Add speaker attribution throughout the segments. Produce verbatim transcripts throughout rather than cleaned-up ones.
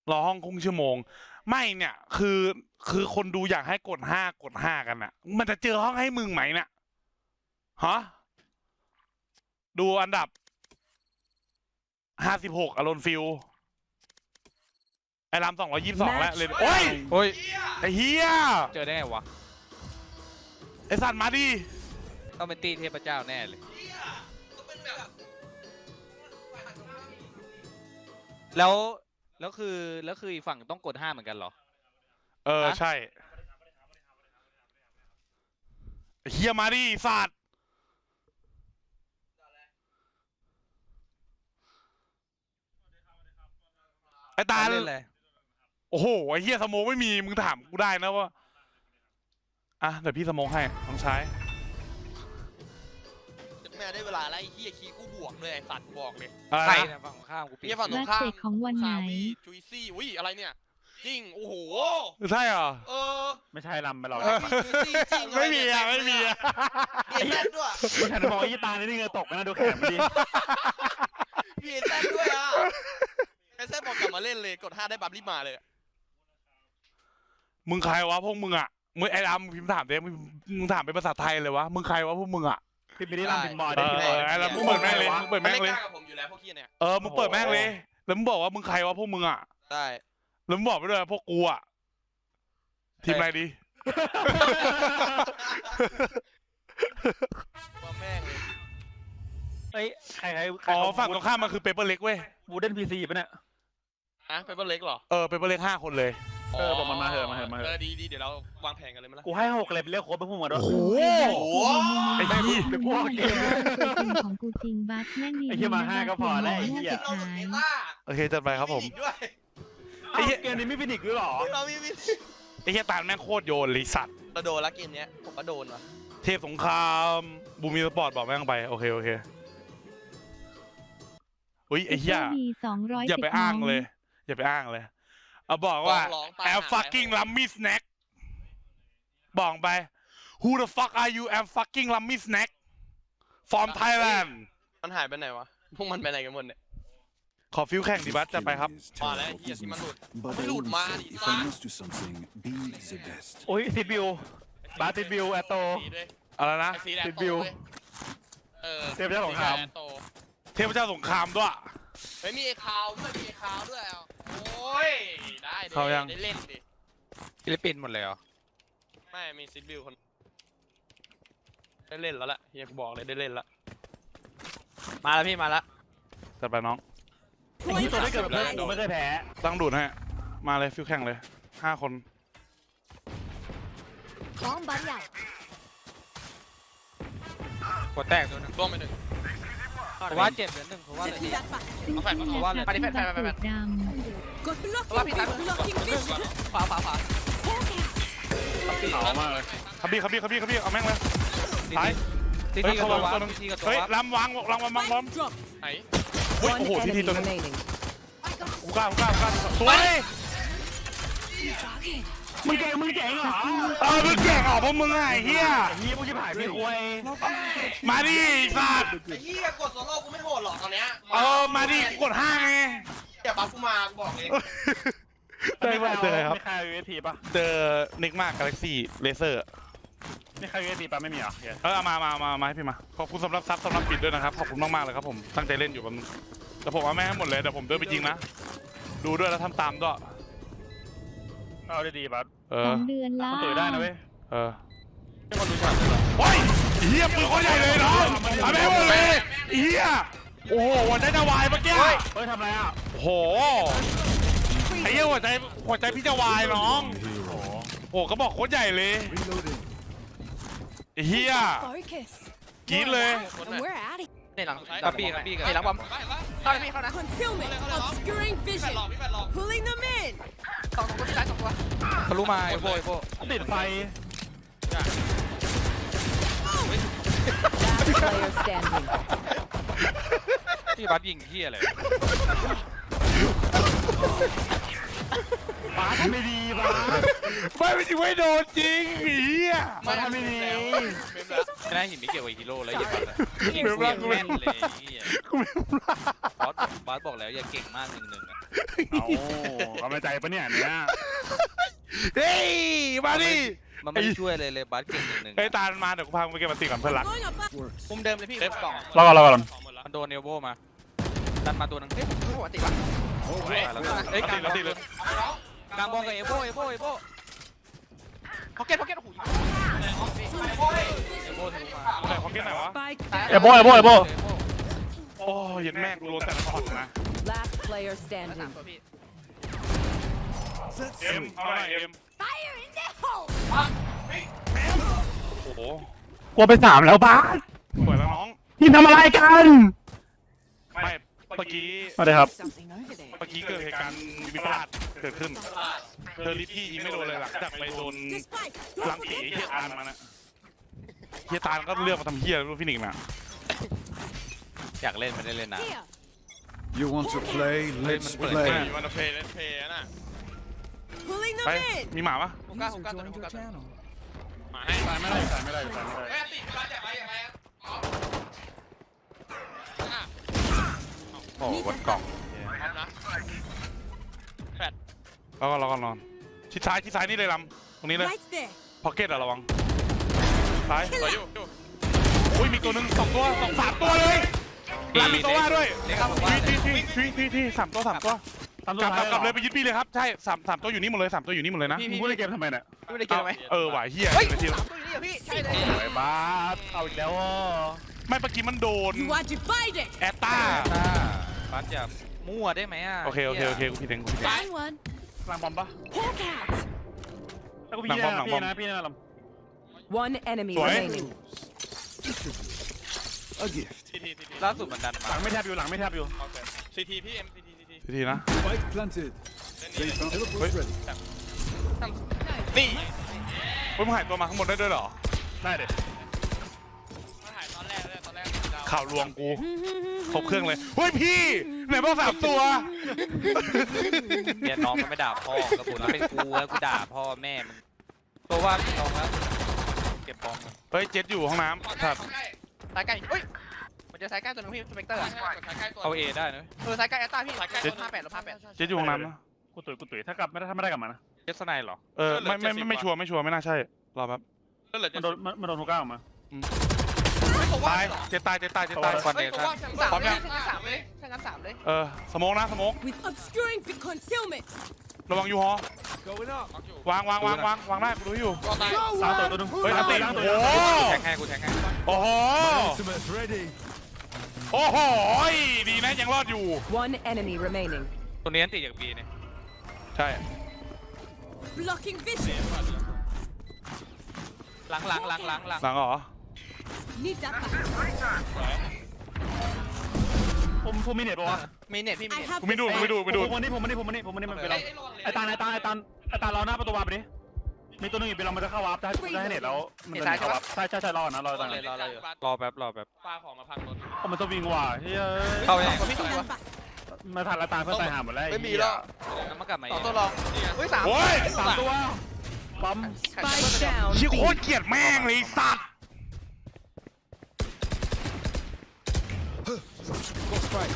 Speaker 1: รอห้องครึ่งชั่วโมงไม่เนี่ยคือคือคนดูอยากให้กดห้ากดห้ากันอ่ะมันจะเจอห้องให้มึงไหมเนี่ยฮะดูอันดับห้าสิบหกอารอนฟิลไอ้ลำสองร้อยยี่สิบสองแล้วเลยโอ้ย
Speaker 2: โอ้ย
Speaker 1: ไอ้เฮีย
Speaker 2: เจอได้ไงวะ
Speaker 1: ไอ้สัตว์มาดิ
Speaker 2: ต้องเป็นตีเทพเจ้าแน่เลยแล้วแล้วคือแล้วคืออีกฝั่งต้องกดห้าเหมือนกันเหรอ
Speaker 1: เออใช่ไอ้เฮียมาดิสัตว์ไอ้ตา
Speaker 2: เล่นเลย
Speaker 1: โอ้โหไอ้เฮียสโมกไม่มีมึงถามกูได้นะว่าอ่ะเดี๋ยวพี่สโมกให้น้องชาย
Speaker 3: แม่ได้เวลาแล้วไอ้เฮียคีกูบวกเลยไอ้สัตว์บอกเลย
Speaker 1: อะไร
Speaker 2: ใคร
Speaker 1: นะ
Speaker 2: นะฝั่งข้ามกูปิด
Speaker 3: เฮียฝั่งตร
Speaker 4: รั
Speaker 3: ง
Speaker 4: ก
Speaker 3: ข้าม
Speaker 4: เตะของวันไหน
Speaker 3: ซาวี่จุยซี่อุ้ยอะไรเนี่ยจริงโอ้โห
Speaker 1: ใช่เหรอ
Speaker 3: เออ
Speaker 5: ไม่ใช่ลำไปหรอก
Speaker 3: จุยซี่จริง
Speaker 1: ไม่มีอ่ะไม่มีอ่ะ
Speaker 3: เบียดแซดด้วย
Speaker 5: กูฉันบอกไอ้ยี่ตานี่เหงือตกนะดูแขนมันดิ
Speaker 3: เบียดแซดด้วยอ่ะไอ้แซดบอกกลับมาเล่นเลยกดห้าได้บัฟรีบมาเลย
Speaker 1: มึงใครวะพวกมึงอ่ะมึงไอ้ดำพิมพ์ถามเด้มึงมึงถามเป็นภาษาไทยเลยวะมึงใครวะพวกมึงอ่ะ
Speaker 5: พี่ไม่ได้ลำพินบอล
Speaker 1: เอ
Speaker 5: ได้
Speaker 1: อ
Speaker 5: พี่บอล
Speaker 1: ไอ้ดำมึงเปิดแม่งเลยมึงเปิด
Speaker 3: มัน
Speaker 1: แม่ง
Speaker 3: ไม่
Speaker 1: เลย
Speaker 3: กล้ากับผมอยู่แล้วพวกขี้เนี่ย
Speaker 1: เออมึงเปิดแม่งเลยแล้วมึงบอกว่ามึงใครวะพวกมึงอ่ะ
Speaker 3: ได้
Speaker 1: แล้วมึงบอกไปด้วยพวกกูอ่ะทีมอะไรดี
Speaker 3: ว่าแม่งเลย
Speaker 5: เฮ้ยใครใครใคร
Speaker 1: อ๋อฝั่งตรงข้ามมันคือเปเปอร์เล็กเว้ย
Speaker 5: วูดเดนพีซีปะเนี่ย
Speaker 3: ฮะเปเปอร์เล็กเหรอ
Speaker 1: เออเปเปอร์เล็กห้าคนเลย
Speaker 5: เออบอกมันมาเถอะมาเถอะมาเถอะ
Speaker 3: เออดีดีเดี๋ยวเราวางแผนกันเลยมั้ยล่ะ
Speaker 5: กูให้หกเลยไปเรียกโค้ชไปพูดมาด้วย
Speaker 1: โอ้โห
Speaker 3: โอ้โห
Speaker 1: ไอ้เหี้ย
Speaker 5: ไปพวกเกม
Speaker 4: ตัวจริงของกูจริงบัสแม่งดี
Speaker 5: ไอ้เหี้ยมาห้าก็พอแล้วไอ้เหี้ย
Speaker 3: เราสุดเมตา
Speaker 1: โอเคจัดไปครับผม
Speaker 3: ฟินิกส์ด้วย
Speaker 5: ไอ้เกมนี้ไม่ฟินิกส์ด้วยหรอ
Speaker 3: เรามีวิธี
Speaker 1: ไอ้เฮียตาลแม่งโคตรโยนเลยสัตว์
Speaker 3: เราโดนแล้วเกมเนี้ยผมก็โดนว่ะ
Speaker 1: เทพสงครามบูมีสปอร์ตบอกแม่งไปโอเคโอเคอุ้ยไอ้เหี้ย
Speaker 4: ดีสองร้อย
Speaker 1: อย่าไปอ้างเลย อย่าไปอ้างเลยเอาบอกว่า
Speaker 3: ร้องตาย
Speaker 1: แอม fucking lummy snack บอกไป who the fuck are you I'm fucking lummy snack from Thailand
Speaker 3: มันหายไปไหนวะพวกมันไปไหนกันหมดเนี่ย
Speaker 1: ขอฟิวแข่งดิบัสจะไปครับ
Speaker 3: มาแล้วเฮียที่มันหลุด
Speaker 6: But
Speaker 3: ไม่หลุดมาดิ
Speaker 6: if
Speaker 3: ซ่า
Speaker 6: I'm used to something, be the best.
Speaker 5: โอ้ยติดบิวบาติดบิวแอตโต
Speaker 3: สีด้วย
Speaker 1: อะไรนะ
Speaker 3: ไอ้สีแดง
Speaker 5: ติด
Speaker 3: โต
Speaker 5: บิว
Speaker 3: เว้ยเออ
Speaker 5: เทพเจ้าสงคราม
Speaker 3: สีแดโต
Speaker 1: เทพเจ้าสงครามด้วย
Speaker 3: เฮ้ยมีไอ้คาวด้วยมีไอ้คาวด้วยอ่ะโอ้ยได้ดิ
Speaker 1: เข้ายัง
Speaker 3: ได้เล่นดิ
Speaker 2: ฟิลิปปินส์หมดเลยเหรอ
Speaker 3: ไม่มีซิดบิวคนได้เล่นแล้วล่ะเฮียกูบอกเลยได้เล่นละมาแล้วพี่มาแล้ว
Speaker 1: จัดไปน้อง
Speaker 5: ไอ้ที่ตัวได้เกิดแบบเพื่อนกูไม่เคยแพ้
Speaker 1: ตั้งดูดให้มาเลยฟิวแข่งเลยห้าคน
Speaker 4: Bomb buddy out
Speaker 2: กดแตกตัวหนึง
Speaker 3: ร่วงไปหนึ่ง
Speaker 2: เพราะว่าเจ็บเหลือหนึ่งเพราะว่าอะไรดี
Speaker 3: เอาแฟนมา
Speaker 2: เพราะว่าอะไร
Speaker 3: ไปดิแฟนแฟนแฟนแฟน
Speaker 4: ด
Speaker 3: เพราะว่าพี่ตายมือขวาขวาขวา
Speaker 5: เขามากเลย
Speaker 1: ขับบี้ขับบี้ขับบี้ขับบี้เอาแม่งเลย
Speaker 2: ที
Speaker 1: ซ้าย
Speaker 2: ที
Speaker 1: เฮ้ย
Speaker 2: กับ
Speaker 1: เขา
Speaker 2: ตัว
Speaker 1: วาง
Speaker 2: วั
Speaker 1: ตัว
Speaker 2: บ
Speaker 1: นึง
Speaker 2: ทีกับตัว
Speaker 1: เฮ้ย
Speaker 2: วับ
Speaker 1: ลำวางลำวางวางล้อม
Speaker 3: ไหน
Speaker 1: เฮ้ยโอ้โหทีทีตัวนึงกูกล้ากูกล้ากูกล้าสวย
Speaker 5: มึงเก่งมึงเก่งเหรอ
Speaker 1: เออมึงแก่งออกเพราะมึงไงเฮีย
Speaker 5: ไอ้เหี้ยพวกชิบหายไม่คุย
Speaker 1: มาดิสัตว์
Speaker 3: ไอ้เหี้ยกดโซโล่กูไม่โหดหรอกตอนเนี้ย
Speaker 1: เออมาดิกดห้าไง
Speaker 3: อย่าบัฟกูมากูบอกเลย
Speaker 1: เจอเจอครับ
Speaker 5: ไม่ใครยูเอทีป่ะ
Speaker 1: เจอนิกมากกาแล็กซี่เลเซอร์
Speaker 5: ไม่ใครยูเอทีป่ะไม่มีเหรอ
Speaker 1: เออเอามามามามาให้พี่มาขอบคุณสำหรับซับสำหรับปิดด้วยนะครับขอบคุณมากๆเลยครับผมตั้งใจเล่นอยู่แบบแต่ผมเอาแม่งให้หมดเลยเดี๋ยวผมเดินไปจริงนะดูด้วยแล้วทำตามด้วย
Speaker 5: เอาได้ดีป่ะ
Speaker 1: เอ
Speaker 4: ำส
Speaker 1: อ
Speaker 4: องเดือนละ
Speaker 5: มันตุ๋ยได้นะเว้ย
Speaker 1: เออ
Speaker 3: ไม่คนรู้จักเลยเหรอ
Speaker 1: โอ้ยเฮียปืนเขาใหญ่เลยน้องเอาแม่งหมดเลยเฮียโอ้โหหัวใจจะวายเมื่อกี้
Speaker 5: เฮ้ยทำไรอ่ะ
Speaker 1: โอ้โหไอ้เหี้ยหัวใจหัวใจพี่จะวายน้องโอ้ก็บอกโคตรใหญ่เลย
Speaker 6: Reloading.
Speaker 1: ไอ้เฮียกรี๊ดเลย
Speaker 3: คนไหน
Speaker 2: ในหลังกับปีกับปีกับ
Speaker 3: ไอ้หลังบอม
Speaker 2: เข้าเลยพี่เข้านะ
Speaker 7: Concealment, obscuring
Speaker 3: แฟน
Speaker 7: vision,
Speaker 3: หลอกพี่แฟนหลอก
Speaker 7: pulling them in.
Speaker 3: สองตัวพี่ชายสองตัว
Speaker 2: ทะลุมาไอ้โบไอ้โบ
Speaker 5: ติดไฟ
Speaker 7: Player standing.
Speaker 2: ที่บัสยิงที่อะไร
Speaker 5: ป้าทำไม่ดีป้า
Speaker 1: ไม่ไม่จริงไม่โดนจริงไอ้เฮีย
Speaker 5: ป้าทำไม่ดี
Speaker 2: ไม่ได้หินไม่เกี่ยวกับฮีโร่แล้วอย่าบัสยิงกูยังแม่นเลยเฮีย
Speaker 1: กูไม่รู้ละ
Speaker 2: บอสบอสบอกแล้วอย่าเก่งมากหนึ่งหนึ่งอ่ะ
Speaker 5: เอากำลังใจปะเนี่ยเนี่ย
Speaker 1: เฮ้ยมาดิ
Speaker 2: มันไม่ได้ช่วยเลยเลยบัสเก่งหนึ่ง
Speaker 1: ไอ้ยตาลมาเดี๋ยวกูพามึงไปเก็บมาติก่อนเพื่อนรัก
Speaker 7: Going up.
Speaker 6: Works.
Speaker 3: มุมเดิมเลยพี่เล็บกล่อง
Speaker 5: รอก่อนรอก่อน
Speaker 3: ของหมดแล้ว
Speaker 2: มันโดนเอลโบมาดันมาตัวนึงเฮ้ย
Speaker 3: ปกติป่ะ
Speaker 2: เอ้ยกลาง
Speaker 1: มาติเลย
Speaker 2: กลางบอลกับเอลโบเอลโบเอลโบ
Speaker 3: พ็อกเก็ตพ็อกเก็ตโอ้โห
Speaker 2: เอลโบทะลุมา
Speaker 1: ไหนของกินไหนวะ
Speaker 7: Spike
Speaker 5: เอโบเอโบเอโบ
Speaker 1: โอ้ยยันแม่กูโดนแต่ละช็อตนะ
Speaker 7: Last player standing.
Speaker 3: ตัวพี่
Speaker 1: เอ็มเอาหน่อยเอ็ม
Speaker 4: Fire in the hole
Speaker 1: โอ้โห
Speaker 5: กลัวไปสามแล้วบ้าส
Speaker 1: สวยแล้วน้อง
Speaker 5: ทีมทำอะไรกัน
Speaker 1: ไม่เมื่อกี้
Speaker 5: สวัสดีครับ
Speaker 7: Something over there.
Speaker 1: เมื่อกี้เกิดเหตุการณ์วิปลาสเกิดขึ้นเธอริปพี่ยิงไม่โดนเลยหลังจากไปโดน
Speaker 7: The spike.
Speaker 1: ลังผีเฮียตาลมานะเฮียตาลก็เลือกมาทำเฮียรู้ฟินิกส์นะ
Speaker 2: อยากเล่นไม่ได้เล่นนะ
Speaker 7: Here.
Speaker 6: You want to play? Let's
Speaker 2: Play.
Speaker 3: เฮ้ย
Speaker 6: play.
Speaker 3: มันเพลย์เล่นเพลย์น่ะ
Speaker 7: Pulling
Speaker 1: ไป
Speaker 7: them in.
Speaker 1: มีหมาปะ
Speaker 3: ฮุก้า
Speaker 6: User
Speaker 3: ฮุก้าตัว
Speaker 6: joined
Speaker 3: ฮุ
Speaker 6: your
Speaker 3: ก้าตัว
Speaker 6: channel.
Speaker 3: มาให้
Speaker 5: ตายไม่ได้ตายไม่ได้ตายไม่ได้
Speaker 3: เฮ้ยติดมาจากอะไรอย่างไรอ่ะ
Speaker 2: โอ้บนกล่อง
Speaker 3: พร้อมนะ
Speaker 1: แล้วก็รอก่อนนอนชิดซ้ายชิดซ้ายนี่เลยลำตรงนี้เลย
Speaker 7: Right there.
Speaker 1: พ็อกเก็ตอะระวังซ้าย
Speaker 3: ต่ออยู่อยู่
Speaker 1: อุ้ยมีตัวหนึ่งสองตัวสองสามตัวเลยลำมีตัวว่าด้วย
Speaker 2: เล็กครับผมว่า
Speaker 1: ทีทีทีทีทีทีสามตัวสามตัว
Speaker 5: ทำ
Speaker 1: กลับกลับกลับเลยไปยึดปีเลยครับใช่สามสามตัวอยู่นี่หมดเลยสามตัวอยู่นี่หมดเลยนะ
Speaker 3: พี่
Speaker 5: มึง
Speaker 3: พี่
Speaker 5: พูดในเกมทำไมเนี่ย
Speaker 3: ไม่ได้เกี่ยวไหม
Speaker 1: เออหวายเฮีย
Speaker 3: เฮ้ย
Speaker 1: ไปที
Speaker 3: สามตัวอยู่นี่เหรอพี่ใช่เลย
Speaker 5: ไอ้บ้าสเอาอีกแล้วอ่ะ
Speaker 1: ไม่เมื่อกี้มันโดน
Speaker 7: You are divided.
Speaker 1: แอตตา
Speaker 2: ถ้าบัสอย่ามั่วได้ไหมอ่ะ
Speaker 1: โอเคโอเคโอเคกูผิดเองกูผิดเอง
Speaker 7: Find one.
Speaker 5: กลางบอมปะ
Speaker 7: Hawk out.
Speaker 5: ถ้ากูพี่
Speaker 1: หลังบอมหลังบอม
Speaker 5: นะพี่นะพี่นะล
Speaker 7: One enemy
Speaker 1: Sorry?
Speaker 7: remaining.
Speaker 6: A gift.
Speaker 3: ซีทีซีที
Speaker 2: ล่าสุดมันดัน
Speaker 5: ำห
Speaker 2: มา
Speaker 5: ลังไม่แทบอยู่หลังไม่แทบอยู่
Speaker 3: โอเคซีทีพี่เอ็มซีทีซีที
Speaker 1: ทีทีนะ
Speaker 6: Spike planted.
Speaker 3: เล่น
Speaker 6: They
Speaker 3: นี่
Speaker 6: found teleport
Speaker 1: Wait.
Speaker 6: ready.
Speaker 3: นี่
Speaker 1: เฮ้ยมึงหายตัวมาข้างบนได้ด้วยเหรอ
Speaker 5: ได้เด็ด
Speaker 3: มาถ่ายตอนแรกเลยตอนแรกดาว
Speaker 1: ข่าวลวงกูครบเครื่องเลยเฮ้ยพี่ไหนบอกสามตัว
Speaker 2: เนี่ยน้องมันไม่ด่าพ่อกระปุกแล้วเป็นกูแล้วกูด่าพ่อแม่มึงตัวว่าพี่น้องแล้วเก็บบอล
Speaker 1: เฮ้ยเจ็ดอยู่ห้องน้ำครับ
Speaker 3: สายใกล้เฮ้ยมันจะสายใกล้ตัวนึงพี่สเปกเตอร์อะสายใกล้ตัว
Speaker 2: เอาเอได้นะ
Speaker 3: เออสายใกล้แอตตาพี่สายใกล้ลบห้าแปดลบห้าแปด
Speaker 1: เจ็ดอยู่ห้องน้ำนะ
Speaker 5: กูตุ๋ยกูตุ๋ยถ้ากลับไม่ได้ถ้าไม่ได้กลับมานะ
Speaker 2: เจสไนเหรอ
Speaker 1: เออไม่ไม่ไม่ไม่ชัวร์ไม่ชัวร์ไม่น่าใช่รอแป๊บ
Speaker 3: ก็เหลือ
Speaker 5: มัน
Speaker 3: จะ
Speaker 5: โดนมันมันโดนฮูก้าออกมา
Speaker 1: ตายเจ็ดตายเจ็ดตายเจ็ดตาย
Speaker 2: คอนเน
Speaker 3: เฮ้ย
Speaker 2: ค
Speaker 3: ผม
Speaker 2: ชั่
Speaker 3: ว่าน สามเลยสามเลยถ้างั้นสามเลย
Speaker 1: เออสโมกนะสโมก
Speaker 7: With obscuring the concealment.
Speaker 1: ระวังยูฮอ
Speaker 6: Going up.
Speaker 1: วางวางวางวางวางได้กูดูอยู่
Speaker 3: ก็ตาย
Speaker 5: สามตัวตัวหนึง
Speaker 1: เฮ้ยนัตติ
Speaker 5: ล้างตัว
Speaker 1: โอ้โห
Speaker 2: แทงให้กูแทงให้
Speaker 1: โอ้โห
Speaker 6: Ultimate ready.
Speaker 1: โอ้โหดีนะยังรอดอยู่
Speaker 7: One enemy remaining.
Speaker 2: ตัวนี้อันติดจากบีเนี่ย
Speaker 1: ใช่
Speaker 7: Blocking vision.
Speaker 2: หลังหลังหลังหลังหลัง
Speaker 1: หลังเหรอ
Speaker 7: Need that back.
Speaker 5: ผมผมมีเน็ตปะวะ
Speaker 3: มีเน็ตพี่มี
Speaker 7: I
Speaker 3: เน็ต
Speaker 7: have
Speaker 1: กูไม่ดูกูไม่ดูไม่ดู
Speaker 5: ผมมันนี่ผมมันนี่ผมมันนี่ผมมันนี่มันไปลองไอ้ตาลไอ้ตาลไอ้ตาลไอ้ตาลรอหน้าประตูวาร์ปไปดิมีตัวหนึงอีกไปลองมันจะเข้าวาร์ปได้ได้ให้เน็ตแล้วมันจะเข้าวาร์ปใช่ใช่ใช่รอนะรอตาล
Speaker 2: รอรออยู่รอแป๊บรอแป๊บ
Speaker 3: ปลาของมาพังรถ
Speaker 5: ผมมันจะวิ่งว่ะเฮ้ย
Speaker 2: เข้าไป
Speaker 3: สองตัวพี่สองตัว
Speaker 7: that back.
Speaker 5: มาทันละตาลเพื่อนตายหาหมดแล้ว
Speaker 3: ไม่มีแล้ว
Speaker 2: แล้วมันกลับมา
Speaker 3: สองตัวรองเฮ้ยสาม
Speaker 1: โอ้ย
Speaker 5: สามตัวปั๊ม
Speaker 7: Spike down.
Speaker 1: ชิโค
Speaker 7: B.
Speaker 1: ตรเกลียดแม่งเลยไอ้สัตว์
Speaker 6: Go spike.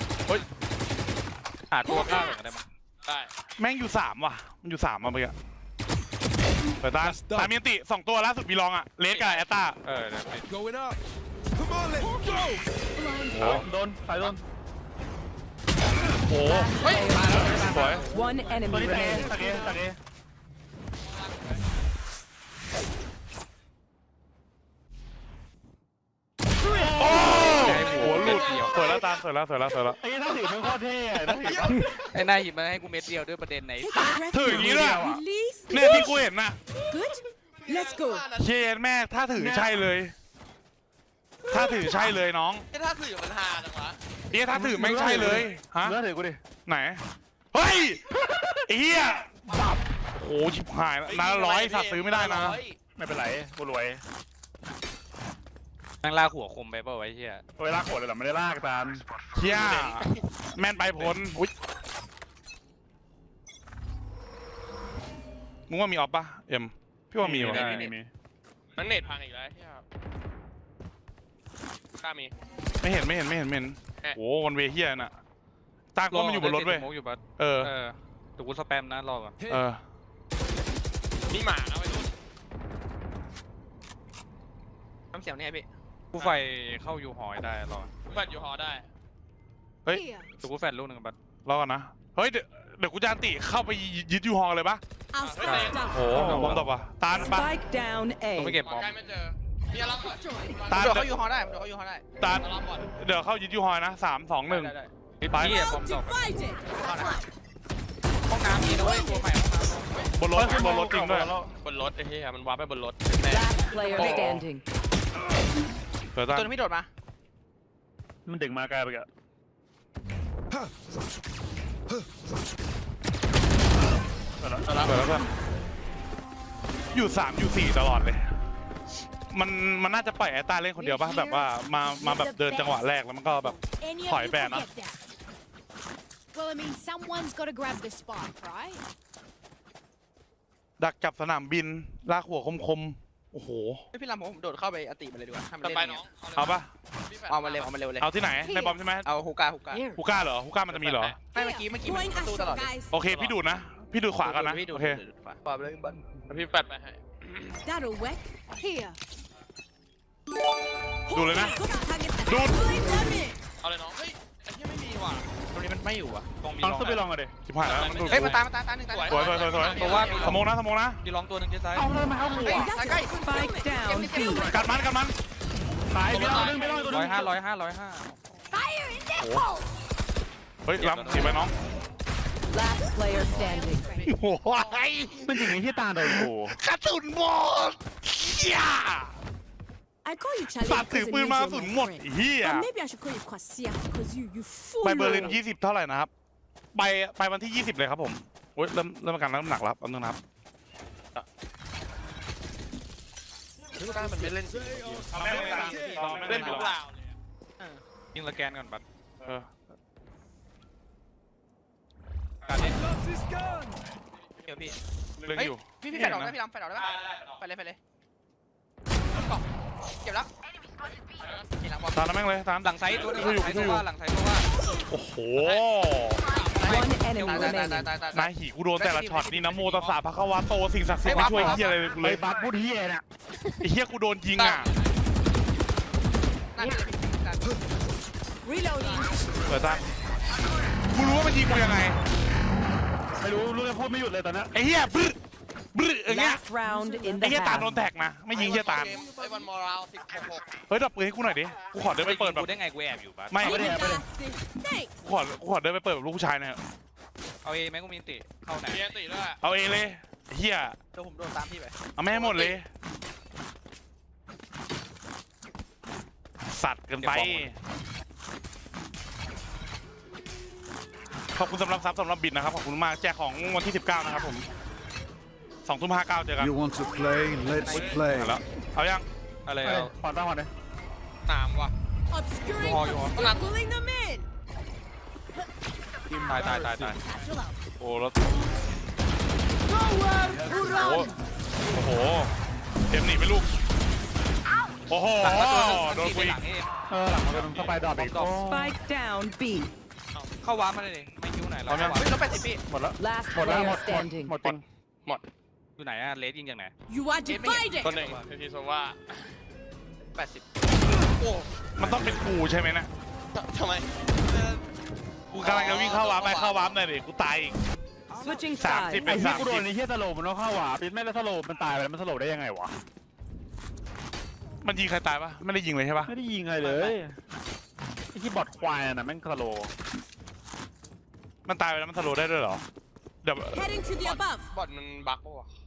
Speaker 2: หาตัวกล้าเหมือนกันได้มั้ย
Speaker 3: ได้
Speaker 1: แม่งอยู่สามว่ะมันอยู่สามมาเมื่อกี้เปิดตาตามีนติสองตัวล่าสุดมีลองอะเลสกับแอตตา
Speaker 2: เออเดี๋ยวไป
Speaker 6: Going up. Come on, let's go.
Speaker 1: โอ้
Speaker 5: โดนสายโดน
Speaker 1: โห
Speaker 3: เฮ้ยมาแล้ว
Speaker 1: สวย
Speaker 7: One
Speaker 5: ตัว
Speaker 7: enemy
Speaker 5: นี้ตะเก
Speaker 7: remaining.
Speaker 5: ตะเกตะเก
Speaker 1: โอ้หัวหลุดสวยแล้วตาสวยแล้วสวยแล้วสวยแล้ว
Speaker 5: ไอ้ถ้าถือมันโคตรเท่อะถ้าถือ
Speaker 2: ไอ้นายหยิบมาให้กูเม็ดเดียวด้วยประเด็นไหน
Speaker 7: Take a breath
Speaker 1: ถืออย่างนี้ด้วย
Speaker 7: Release.
Speaker 1: เนี่ยที่กูเห็นน่ะ
Speaker 7: Good. Let's go.
Speaker 1: เชนแม่ถ้าถือใช่เลย ถ้าถือใช่เลยน้อง
Speaker 3: ไอ้ถ้าสื่อมันฮาจังวะ
Speaker 1: เอ๊ะถ้าถือไม่งใช่เลยฮะ
Speaker 5: เนื้อถือกูดิ
Speaker 1: ไหนเฮ้ยไอ้เหี้ยบับโอ้ชิบหายแล้วน้าร้อยสัตว์ซื้อไม่ได้นะ
Speaker 5: ไม่เป็นไรกูรวย
Speaker 2: นั่งลากหัวคมไปเปล่าวะไอ้เหี้ย
Speaker 5: เวลาโขดเลยเหรอไม่ได้ลากตาม
Speaker 1: เชี่ยแม่นไปผลอุ้ยมึงว่ามีออฟปะเอ็มพี่ว่ามีวะ
Speaker 5: ได้มี
Speaker 3: มันเน็ตพังอีกแล้วเฮียกล้ามี
Speaker 1: ไม่เห็นไม่เห็นไม่เห็นไม่เห็นโอ้วันเวเฮียน่ะตากล้องมันอยู่บนรถเว้ย
Speaker 2: สโมกอยู่บัส
Speaker 1: เออ
Speaker 2: เออแต่กูสแปมนะรอก่อน
Speaker 1: เออ
Speaker 3: มีหมานะไปดู
Speaker 8: น้ำเสียงเนี่ยพี่
Speaker 2: กูไฟเข้าอยู่หอยได้รอ
Speaker 3: แฟดอยู่หอได้
Speaker 1: เฮ้ย
Speaker 4: Here.
Speaker 2: แต่กูแฟดลูกหนึ่งบัด
Speaker 1: รอก่อนนะ เฮ้ย เดี๋ยวเดี๋ยวกูจะอันติเข้าไปยึดยูฮอลเลยปะ
Speaker 7: I'll splash down.
Speaker 1: โอ้โหบอมตบปะตาลปะ
Speaker 7: Spike down
Speaker 2: ต้องไป
Speaker 7: A.
Speaker 2: เก็บ
Speaker 3: ห
Speaker 2: บ
Speaker 3: มอ
Speaker 2: อม
Speaker 3: ใกล้ไม่เจอพี่รับก่อน
Speaker 1: ตาล
Speaker 8: เดี๋ยวเขาอยู่ฮอได้เดี๋ยวเขาอยู่ฮอได้
Speaker 1: ตาล
Speaker 3: รับก่อน
Speaker 1: เดี๋ยวเข้ายึดยูฮอลนะสามสองหนึ่ง
Speaker 8: ได้ได้
Speaker 1: ไป
Speaker 2: เฮียบอ
Speaker 7: Well
Speaker 2: มตบ
Speaker 7: divided.
Speaker 8: เข้านะห้องน้ำมีด้วยตัวใหม่ห้องน้ำ
Speaker 1: บนรถบนรถจริงด้วย
Speaker 3: บนรถไอ้เหี้ยมันวาร์ปไปบนรถ
Speaker 7: Last player
Speaker 1: Oh.
Speaker 7: standing.
Speaker 1: เดี๋ยวตาล
Speaker 8: ตัวนึงพี่โดดมา
Speaker 5: มันดึงมาไกลไปแก
Speaker 1: เปิดแล้วเพื่อนอยู่สามอยู่สี่ตลอดเลย มันมันน่าจะปล่อยไอ้ตาเล่นคนเดียวปะแบบว่ามามาแบบเดินจังหวะแรกแล้วมันก็แบบ
Speaker 4: Any
Speaker 1: Hỏi
Speaker 4: of you
Speaker 1: bè nó.
Speaker 4: can get that. Well, I mean, someone's got to grab the spike, right?
Speaker 1: ดักจับสนามบินลากหัวคมๆโอ้โห
Speaker 8: ไม่พี่ลำผมโดดเข้าไปอติมาเลยดีกว่าทำ
Speaker 3: ต่อ
Speaker 8: เล่น
Speaker 3: ไป
Speaker 8: อย่าง
Speaker 3: น้อ
Speaker 8: เงี้
Speaker 3: ง
Speaker 8: ย
Speaker 1: เอาปะ
Speaker 8: เอามาเร็วเอามาเร็วเลย
Speaker 1: เอาที่ไหนในบอมใช่ไหม
Speaker 8: เอาฮูก้าฮูก้า
Speaker 4: Here.
Speaker 1: ฮูก้าเหรอฮูก้ามันจะมีเหรอ
Speaker 8: ไม่เมื่อกี้เมื่อกี้มัน
Speaker 7: Going
Speaker 8: ประตูตลอ
Speaker 7: astral,
Speaker 8: ดเลย
Speaker 7: guys.
Speaker 1: โอเคพี่ดูดนะ พี่ดูขวากันนะ
Speaker 8: พี่ดู
Speaker 1: โอเค
Speaker 8: ดูดูขวาขวาเลยบัน
Speaker 3: พี่แฟดไปให้
Speaker 7: That'll work.
Speaker 4: Here.
Speaker 1: ดูเลยนะ
Speaker 7: Go target the
Speaker 1: Dude.
Speaker 7: Blade them in.
Speaker 3: เอาเลยน้องเฮ้ยไอ้เหี้ยไม่มีว่ะ
Speaker 8: ตรงนี้มันไม่อยู่อ่ะ
Speaker 2: ต้องมี
Speaker 5: ลอง
Speaker 2: ลอง
Speaker 5: สู้ไปลองกันดิ
Speaker 1: ชิบหายแล้วมันดูด
Speaker 8: เฮ้ยมาตามมาตามตามหนึ่งตาม
Speaker 1: สวยสวยสวยสวย
Speaker 2: เพราะว่ามี
Speaker 1: สมองนะสมองนะ
Speaker 2: มีลองตัวหนึ่งที่ซ้าย
Speaker 5: เอาเลยมาเข้าหัว
Speaker 8: ตามใกล้
Speaker 7: Spike down B.
Speaker 1: กัดมันกัดมัน
Speaker 5: ตายไปลองนึงไปลองตัวนึ
Speaker 2: ร้อย
Speaker 5: ง
Speaker 2: ห้าร้อยห้าร้อยห้า
Speaker 4: Fire in the hole.
Speaker 1: เฮ้ยล้ำสีไปน้อง
Speaker 7: Last player standing.
Speaker 1: โอ้ย
Speaker 5: มันจริงไอ้ที่ตาโดนกู
Speaker 1: กระสุนหมดเฮีย
Speaker 7: I call you
Speaker 1: สัต
Speaker 7: challenge
Speaker 1: ว์ถือ
Speaker 7: because it
Speaker 1: ปืน
Speaker 7: means
Speaker 1: มาก
Speaker 7: you're
Speaker 1: ระสุน
Speaker 7: my
Speaker 1: หมด
Speaker 7: friend.
Speaker 1: เฮีย
Speaker 7: But maybe I should call you Kwasia because you you fool.
Speaker 1: ไปเบอร์ลินยี่สิบเท่าไหร่นะครับ ไปไปวันที่ยี่สิบเลยครับผมโอ้ยเริ่มเริ่มอาการน้ำหนักแล้วอันนึงนะครับ
Speaker 3: ฮูก้ามันไม่เล่น
Speaker 1: เล่น
Speaker 3: เล่นทุกราวเลย
Speaker 2: ยิงสแกนก่อนบัด
Speaker 1: เออ
Speaker 2: การนี้
Speaker 6: Loves his gun.
Speaker 8: เดี๋ยวพี่
Speaker 1: เล่นอยู่
Speaker 8: พี่พี่แฟดออกได้พี่ลำแฟดออกได้ปะไปเลยไปเลยกล่องเก็บแล้วนี่หลังบอล
Speaker 1: ตามแล้วแม่งเลยตาม
Speaker 2: หลังไซต์ตัวหนึงหลังไซต์ตัวว่าหลังไซต์ตัวว่า
Speaker 1: โอ้โห
Speaker 7: One enemy
Speaker 8: ตายตาย
Speaker 7: remaining.
Speaker 8: ตายตายตาย
Speaker 1: นายหีกูโดนแต่ละช็อตนี่นะโมตัสสะพระคะวะโตสิ่งศักดิ์สิทธิ์ไม่ช่วยเฮียอะไรเล
Speaker 5: เลย ยบัสพูดเฮียน่ะ
Speaker 1: ไอ้เฮียกูโดนยิงอ่ะ
Speaker 8: นั่นเลยพี่
Speaker 7: Reloading.
Speaker 1: เปิดตากูรู้ว่ามันยิงกูยังไง
Speaker 5: ไม่รู้รู้จะพูดไม่หยุดเลยตอนนี้
Speaker 1: ไอ้เฮียบึ้บึ้อย่างเงี้ย
Speaker 7: Last round in
Speaker 1: ไอ้
Speaker 7: the
Speaker 1: เฮียตาลโดน
Speaker 7: half.
Speaker 1: แท็กนะไม่ยิงเฮียตาล
Speaker 3: ไอ้วันมอรัลสิบหก
Speaker 1: เฮ้ยดับปืนให้กูหน่อยดิกูขอเดินไปเปิดแบบ
Speaker 2: กูได้ไงกูแอบอยู่บัด
Speaker 1: ไม่
Speaker 7: Give me that. Thanks.
Speaker 1: กูขอกูขอเดินไปเปิดแบบลูกผู้ชายหน่อย
Speaker 2: เอาเอไหมกูมีติเข้าไหน
Speaker 3: เมียตีด้วย
Speaker 1: เอาเองเลยเฮีย
Speaker 8: เดี๋ยวผมโดนตามพี่ไป
Speaker 1: เอาแม่ให้หมดเลย สัตว์เกินไปขอบคุณสำหรับซับสำหรับบิดนะครับขอบคุณมากแจกของวันที่สิบเก้านะครับผมสองทุ่มห้าเก้าเจอกัน
Speaker 6: You want to play? Let's play.
Speaker 1: แล้วเอายัง
Speaker 2: อะไร
Speaker 5: เฮ้ย
Speaker 2: เอา
Speaker 5: ผ่อนป้าผ่อนเลย
Speaker 3: หนามว่ะ
Speaker 7: Obscuring.
Speaker 2: Oh, you are.
Speaker 7: You're pulling them in.
Speaker 2: ตายตายตายตาย
Speaker 4: Satchel out.
Speaker 1: โอ้แล้ว
Speaker 7: Nowhere to
Speaker 1: โอ้
Speaker 7: run.
Speaker 1: โอ้โหเต็มหนีไปลูกโอ้โห
Speaker 2: หลังก็ตัวหนึง
Speaker 1: โดน
Speaker 2: ตี
Speaker 1: กู
Speaker 2: ไป
Speaker 1: อี
Speaker 2: ห
Speaker 1: ก
Speaker 2: ลังเอ
Speaker 5: เออหลังมันเป็นสไปดอทอีก
Speaker 7: Spike down B.
Speaker 2: เข้าวาร์ปมาเลยดิไม่คิวไหนเรา
Speaker 1: เอายัง
Speaker 2: เข้าวาร์ป
Speaker 8: เฮ้ยลบแปดสิบพี่
Speaker 5: หมดแล้ว
Speaker 7: Last
Speaker 5: หมดแล้วหม
Speaker 7: player
Speaker 5: ดหมด
Speaker 7: standing.
Speaker 5: หมดจริง
Speaker 2: อยู่ไหนอะเลสยิงจากไหน
Speaker 7: You are divided.
Speaker 3: คนหนึ่งคือทีโซว่า
Speaker 8: แปดสิบ
Speaker 3: โอ้
Speaker 1: มันต้องเป็นกูใช่ไหมนะ
Speaker 3: ทำไม
Speaker 1: กูกำลังจะวิ่งเข้าวาร์ปไปเข้าวาร์ปหน่อยดิกูตายอีก
Speaker 7: Switching
Speaker 1: Sam,
Speaker 7: sides.
Speaker 1: tip
Speaker 5: ไอ้
Speaker 1: it.
Speaker 5: ที่กูโดนไอ้เฮียสโลมันต้องเข้าหวาปิดไม่แล้วสโลมันตายไปแล้วมันสโลได้ยังไงวะ
Speaker 1: มันยิงใครตายปะไม่ได้ยิงเลยใช่ปะ
Speaker 5: ไม่ได้ยิงอะไรเลยไอ้ที่บอดควายน่ะแม่งสโล
Speaker 1: มันตายไปแล้วมันสโลว์ได้ด้วยเหรอเดี๋ยว
Speaker 7: Heading to the above.
Speaker 3: บอดมันบั๊กปะวะ